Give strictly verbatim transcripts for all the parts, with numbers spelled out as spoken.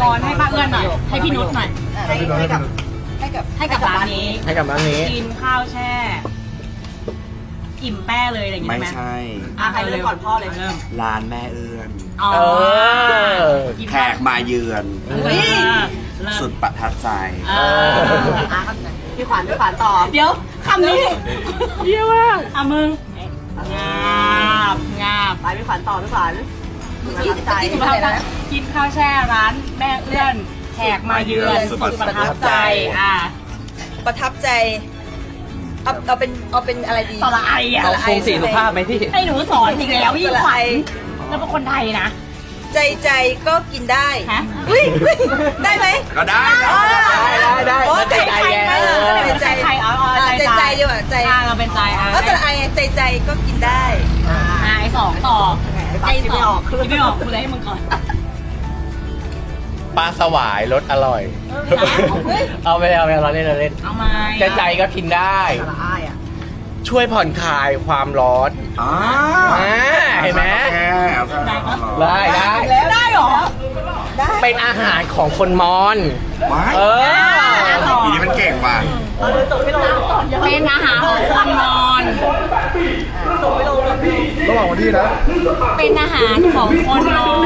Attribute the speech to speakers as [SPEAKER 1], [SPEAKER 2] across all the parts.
[SPEAKER 1] กรให้ป้าเอื้อนหน่อยให้พี่นุชหน่อย
[SPEAKER 2] ให้ให้กับให้กับ
[SPEAKER 1] ให้กับร้านนี้
[SPEAKER 3] ให้กับร้านนี้
[SPEAKER 1] กินข้าวแช่ อิ่มแป้เลยอะไรอย่าง
[SPEAKER 4] ไม่
[SPEAKER 1] งี้ไหม
[SPEAKER 4] ใช่
[SPEAKER 1] อ่ะใครเริ่มก่อนพ่อเลยเริ่ม
[SPEAKER 4] ร้านแม่เอื้อน
[SPEAKER 1] อ๋อ
[SPEAKER 3] เออ
[SPEAKER 1] กิน
[SPEAKER 4] แข
[SPEAKER 1] ข้าว
[SPEAKER 4] กมาเยือน
[SPEAKER 1] เฮ้ยเริ่ม
[SPEAKER 4] สุดประทับใจ
[SPEAKER 1] เออ
[SPEAKER 2] อ่ะพี่ขวัญพี่ขวัญต่อ
[SPEAKER 1] เดี๋ยวคำนี้เยี่ยมากอ่ะมึงงาบงาบ
[SPEAKER 2] ไปพี่ขวัญต่อพี่ขวัญประทับใจ
[SPEAKER 1] กินข้าวกินข้าวแช่ร้านแม่เอื้อนแขกมาเยือน
[SPEAKER 4] สุ
[SPEAKER 1] สุ
[SPEAKER 4] ด
[SPEAKER 1] ด
[SPEAKER 4] ป
[SPEAKER 1] ประ ระ
[SPEAKER 4] ทั
[SPEAKER 1] ทั
[SPEAKER 4] บบ ใจ
[SPEAKER 1] ใจอ่ะ
[SPEAKER 2] ประทับใจเอาเอาเป็นเอาเป็นอะไรดี
[SPEAKER 1] สละไออ่ะ
[SPEAKER 3] เอาคงสีสุภาพไหมพี่
[SPEAKER 1] ให้หนูสอนอีกแล้วพี่ขวัญแล้วเป็นคนไทยนะ
[SPEAKER 2] ใจใจก็กินได้
[SPEAKER 1] ฮะ
[SPEAKER 2] อุ้ยอุ๊ยได้ไหม
[SPEAKER 4] ก็ได้ครับ
[SPEAKER 3] ได้ได้
[SPEAKER 2] โอ้
[SPEAKER 3] ได้
[SPEAKER 2] ใจ
[SPEAKER 3] ใจ
[SPEAKER 2] ใจ
[SPEAKER 3] ไง
[SPEAKER 2] ไหม
[SPEAKER 3] เออ
[SPEAKER 2] ก็เลยเป็นใจ
[SPEAKER 1] ใจเอาเอา
[SPEAKER 2] อ่ะ
[SPEAKER 1] ใจ
[SPEAKER 2] ใจใจดีกว่าใจ
[SPEAKER 1] อ่ะเราเป็นใจอ่ะ
[SPEAKER 2] ก็สระไอใจใจก็กินได้
[SPEAKER 1] อ่ะไอสองต่อ
[SPEAKER 2] ไอ
[SPEAKER 1] ไอ
[SPEAKER 2] คิด
[SPEAKER 1] ส
[SPEAKER 2] ไม่
[SPEAKER 1] อ
[SPEAKER 2] อง อก
[SPEAKER 1] คิดไม่ออกคุณเลยให้มึงก่อน
[SPEAKER 3] ปลาสวายรสอร่อย
[SPEAKER 1] เฮ้ย
[SPEAKER 3] เอาไปเอาไปเราเล่นเราเล่น
[SPEAKER 1] เอาไหม
[SPEAKER 3] ใจใจก็กินได้
[SPEAKER 2] สระไออ่ะ
[SPEAKER 3] ช่วยผ่อนคลายความร้อน
[SPEAKER 4] อ่า
[SPEAKER 3] อ่าเห็นไหม
[SPEAKER 4] แค่เอาแค่
[SPEAKER 3] ได้ได้
[SPEAKER 2] แล้ว
[SPEAKER 1] ได้เหรอ
[SPEAKER 2] ได้
[SPEAKER 3] เป็นอาหารของคนมอญ
[SPEAKER 4] ไว้
[SPEAKER 3] เออ
[SPEAKER 4] อีนี่มันเก่งว่ะ
[SPEAKER 2] เราเดินจบไม่ลง
[SPEAKER 1] เป็นอาหารของคนนอน
[SPEAKER 2] จบไม่ลง
[SPEAKER 4] ระหว่างวันที่นะ
[SPEAKER 1] เป็นอาหารของคนนอน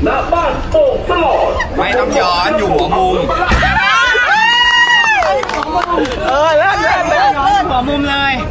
[SPEAKER 4] ไม่ต้องย้อนอยู่หัวมุม
[SPEAKER 3] เออเลิศเลิศเลิศ
[SPEAKER 1] หัวมุมเลย